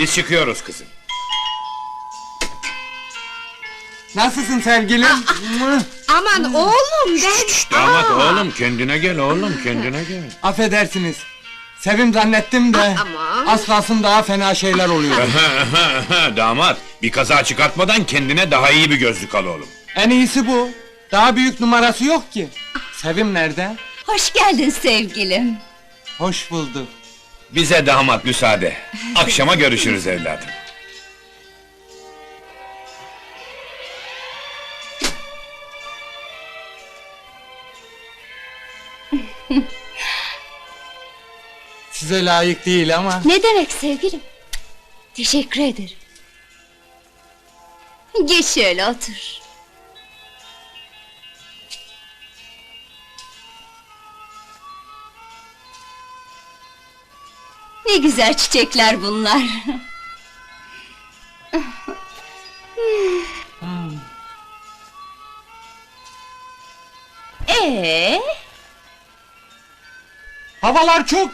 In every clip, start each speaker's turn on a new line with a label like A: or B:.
A: Biz çıkıyoruz kızım.
B: Nasılsın sevgilim?
C: Aman oğlum ben...
A: Damat oğlum, kendine gel oğlum, kendine gel.
B: Affedersiniz. Sevim zannettim de...
C: Aman.
B: Az kalsın daha fena şeyler oluyor.
A: Damat, bir kaza çıkartmadan kendine daha iyi bir gözlük al oğlum.
B: En iyisi bu. Daha büyük numarası yok ki. Sevim nerede?
D: Hoş geldin sevgilim.
B: Hoş bulduk.
A: Bize damat müsaade. Akşama görüşürüz evladım.
B: Size layık değil ama...
D: Ne demek sevgilim? Teşekkür ederim. Geç şöyle otur. Ne güzel çiçekler bunlar.
B: Havalar çok...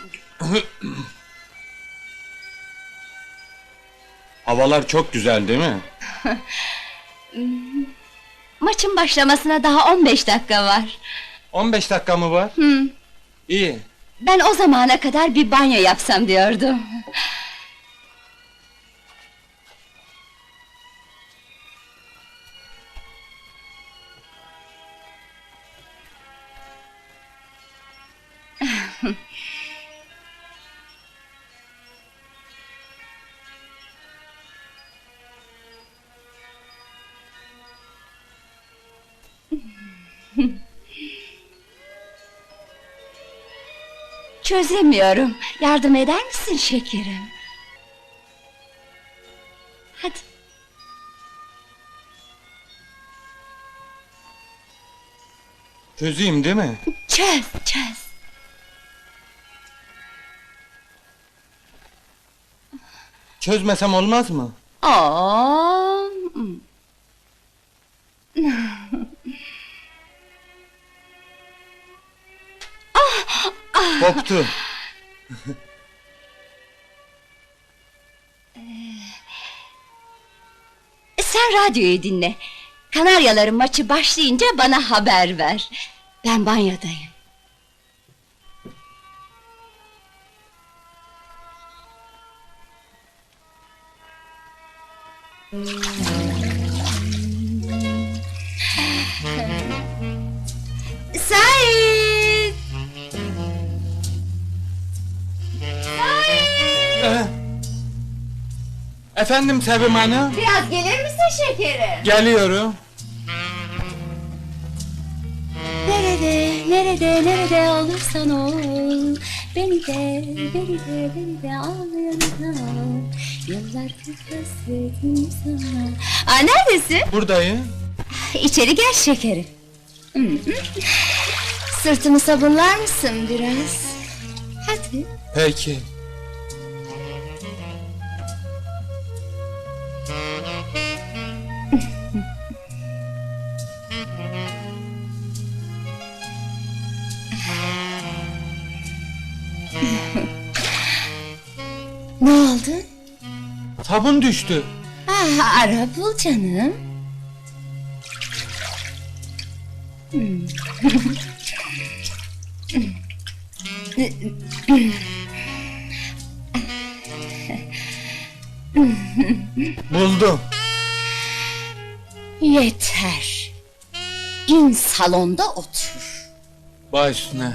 B: Havalar çok güzel değil mi?
D: Maçın başlamasına daha 15 dakika var.
B: 15 dakika mı var? İyi.
D: Ben o zamana kadar bir banyo yapsam diyordum. Çözemiyorum. Yardım eder misin şekerim? Hadi.
B: Çözeyim değil mi?
D: Çöz, çöz.
B: Çözmesem olmaz mı?
D: Oo.
B: Koptu.
D: Sen radyoyu dinle. Kanaryaların maçı başlayınca bana haber ver. Ben banyodayım. Sait!
B: Efendim Sevim Hanım?
D: Biraz gelir misin şekerim?
B: Geliyorum.
D: Nerede olursan ol. Beni de al yanına. Yıllardır hasretim sana. Neredesin?
B: Buradayım.
D: İçeri gel şekerim. Sırtımı sabunlar mısın biraz? Hadi.
B: Peki.
D: Ne oldu?
B: Sabun düştü.
D: Ara bul canım.
B: Buldum.
D: Yeter. İn salonda otur.
B: Baş üstüne.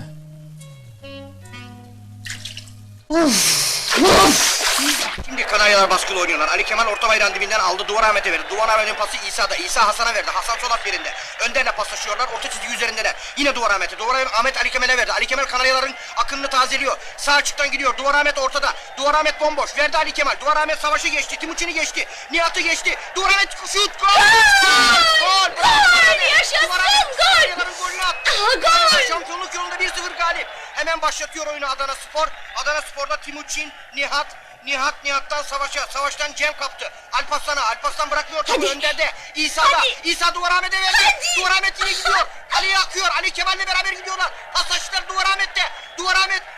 E: Şimdi Kanaryalar baskılı oynuyorlar. Ali Kemal orta bayrağın dibinden aldı. Duvar Ahmet'e verdi. Duvar Ahmet'in pası İsa'da. İsa Hasan'a verdi. Hasan sol at yerinde. Önderle paslaşıyorlar. Orta çizgi üzerindeler. Yine Duvar Ahmet'e. Duvar Ahmet Ali Kemal'e verdi. Ali Kemal Kanaryaların akınını tazeliyor. Sağ açıktan gidiyor. Duvar Ahmet ortada. Duvar Ahmet bomboş. Verdi Ali Kemal. Duvar Ahmet savaşı geçti. Timuçin'i geçti. Nihat'ı geçti. Duvar Ahmet şut. Gol! Gol!
D: Gol! Yaşasın! Gol!
E: Kanaryaların golünü attı.
D: Gol!
E: Şampiyonluk yolunda 1-0 galip. Hemen başlatıyor oyunu Adana Spor. Adana Spor'da Timuçin, Nihat'tan Savaş'a, Savaş'tan Cem kaptı. Alparslan'a bırakmıyor topu Önder'de. İsa'da, İsa Duvar Ahmet'e verdi.
D: Hadi!
E: Duvar Ahmet yine gidiyor. Ali'ye akıyor. Ali Kemal'le beraber gidiyorlar. Pasajlar Duvar Ahmet'te. Duvar Ahmet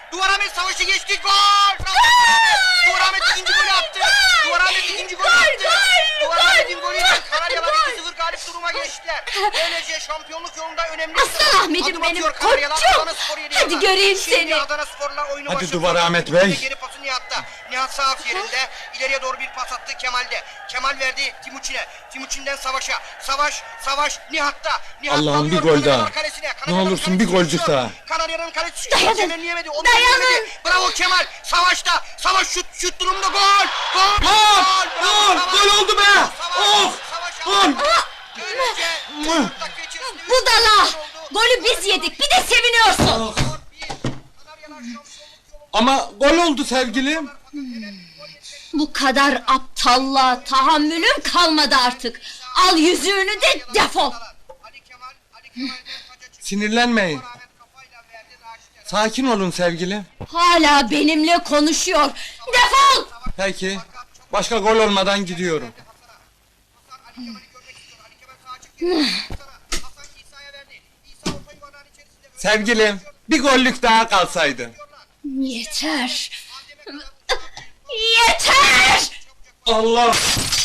E: Duvar Ahmet savaşı geçti. Gol! Duvar Ahmet ikinci golü attı. Duvar Ahmet ikinci golü attı. Duvar Ahmet'in golüyle Kanaryalar 2-0 galip duruma geçtiler. Böylece şampiyonluk yolunda önemli
D: Aslan Ahmet'im
E: adım
D: benim,
E: atıyor Kanaryalar.
D: koçum.
E: Adanaspor yedi
D: Hadi
E: yolda.
D: göreyim
E: Şimdi
D: seni.
E: Adanasporlar oyunu
B: Hadi
E: başlatıyor.
B: Duvar Ahmet Bey.
E: Geri pası Nihat'ta. Nihat sağ af yerinde. İleriye doğru bir pas attı Kemal'de. Kemal verdi Timuçin'e. Timuçin'den Savaş'a. Savaş Nihat'ta. Nihat
B: Allah'ım bir
E: alıyor
B: gol
E: Kanaryalar
B: daha.
E: kalesine.
B: Ne
E: Kanaryaların
B: olursun bir
E: kalesi
B: golcük
E: düşüyor.
B: daha.
E: Kanarya'nın kalesi
D: Dayanın.
E: temelleyemedi. Onu
D: Dayanın.
E: temelleyemedi. Bravo Kemal. Savaş'ta. Savaş şut durumda gol. Gol.
B: Gol!
E: Savaş.
B: Gol oldu be!
E: Savaş.
B: Oh!
E: Savaş
B: Gol!
E: aldı. Böylece 4 dakika içerisinde üç
D: Budala!
E: gol oldu.
D: Golü biz yedik, bir de seviniyorsun!
E: 4-1. Kanaryalar şampiyonluk yolunda.
B: Ama gol oldu sevgilim.
D: Bu kadar aptallığa tahammülüm kalmadı artık! Al yüzüğünü de defol!
E: Ali Kemal'den taca çıktı.
B: Sinirlenmeyin.
E: Ahmet kafayla verdi Raşit'e.
B: Sakin olun sevgilim.
D: Hala benimle konuşuyor! Defol!
B: Peki. Başka gol olmadan gidiyorum.
E: Hasan Ali Kemal'i görmek istiyor. Ali Kemal sağa çıktı. Hasan İsa'ya verdi. İsa orta yuvarlağın içerisinde.
B: Sevgilim, bir gollük daha kalsaydı.
D: Yeter! Yeter!
B: Allah!